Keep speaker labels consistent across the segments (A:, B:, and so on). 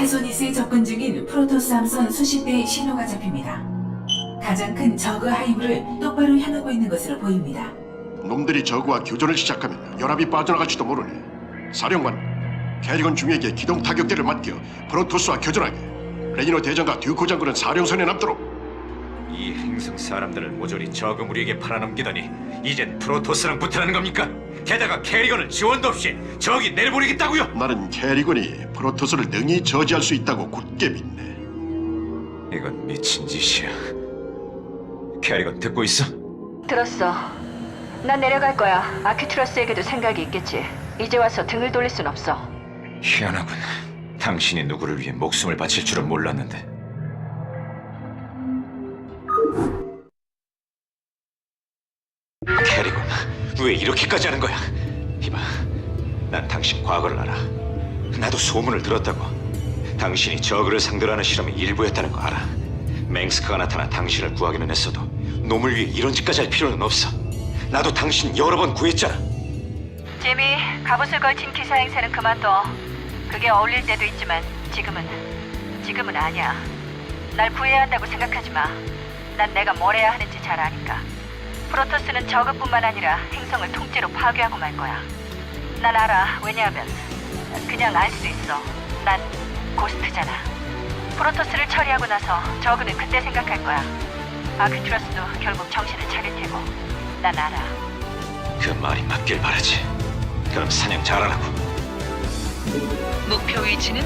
A: 타소니스에 접근 중인 프로토스 함선 수십 대의 신호가 잡힙니다. 가장 큰 저그 하이브를 똑바로 향하고 있는 것으로 보입니다.
B: 놈들이 저그와 교전을 시작하면 연합이 빠져나갈지도 모르네. 사령관, 캐리건 중에게 기동 타격대를 맡겨 프로토스와 교전하게. 레니노 대장과 듀코 장군은 사령선에 남도록.
C: 이 행성 사람들을 모조리 저그 무리에게 팔아넘기더니 이젠 프로토스랑 붙으라는 겁니까? 게다가 캐리건을 지원도 없이 저기 내버리겠다고요?
B: 나는 캐리건이 프로토스를 능히 저지할 수 있다고 굳게 믿네.
C: 이건 미친 짓이야. 캐리건 듣고 있어?
D: 들었어. 난 내려갈 거야. 아큐트러스에게도 생각이 있겠지. 이제 와서 등을 돌릴 순 없어.
C: 희한하군. 당신이 누구를 위해 목숨을 바칠 줄은 몰랐는데. 캐리건, 왜 이렇게까지 하는 거야? 이봐, 난 당신 과거를 알아. 나도 소문을 들었다고. 당신이 저그를 상대로 하는 실험이 일부였다는 거 알아. 맹스크가 나타나 당신을 구하기는 했어도 놈을 위해 이런 짓까지 할 필요는 없어. 나도 당신 여러 번 구했잖아.
D: 지미, 갑옷을 걸친 기사 행세는 그만둬. 그게 어울릴 때도 있지만 지금은 아니야. 날 구해야 한다고 생각하지 마. 난 내가 뭘 해야 하는지 잘 아니까. 프로토스는 저그뿐만 아니라 행성을 통째로 파괴하고 말 거야. 난 알아. 왜냐하면 그냥 알 수 있어. 난 고스트잖아. 프로토스를 처리하고 나서 저그는 그때 생각할 거야. 아크투러스도 결국 정신을 차릴 테고. 난 알아.
C: 그 말이 맞길 바라지. 그럼 사냥 잘하라고.
D: 목표 위치는?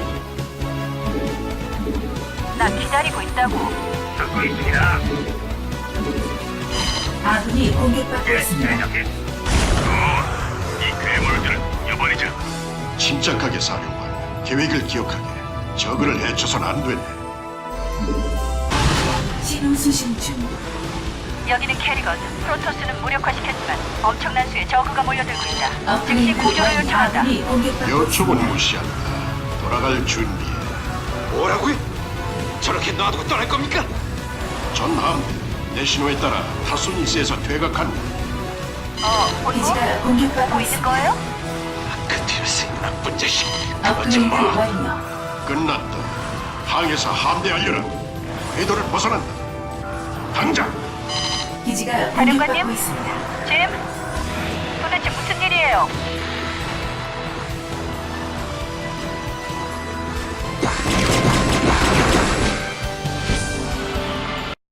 D: 나 기다리고 있다고.
E: 듣고 있습니다.
A: 아군이 공격받고 있습니다.
E: 이 괴물들은 여번이죠.
B: 침착하게 사령관, 계획을 기억하게. 저그를 해쳐선 안 되네.
A: 신호 수신 중.
D: 여기는 캐리건. 프로토스는 무력화시켰지만 엄청난 수의 저그가 몰려들고 있다. 즉시
A: 업그레이드
D: 구조를
A: 완료.
D: 요청한다.
A: 아군이 공격받고
B: 요청은
A: 있습니다.
B: 무시한다. 돌아갈 준비해.
C: 뭐라고요? 저렇게 놔두고 떠날 겁니까?
B: 전 함대 내 신호에 따라 타소니스에서 퇴각한다.
D: 보고
A: 기지가 공격받고
D: 보고 있는
A: 있습니다.
D: 거예요?
C: 아크티러스 나쁜 자식. 그러지
A: 업그레이드
C: 마.
A: 완료.
B: 끝났다. 항에서 함대하려라. 궤도를 벗어난다. 당장!
A: 기지가
D: 사령관님?
A: 공격받고 있습니다.
D: 짐? 도대체 무슨 일이에요?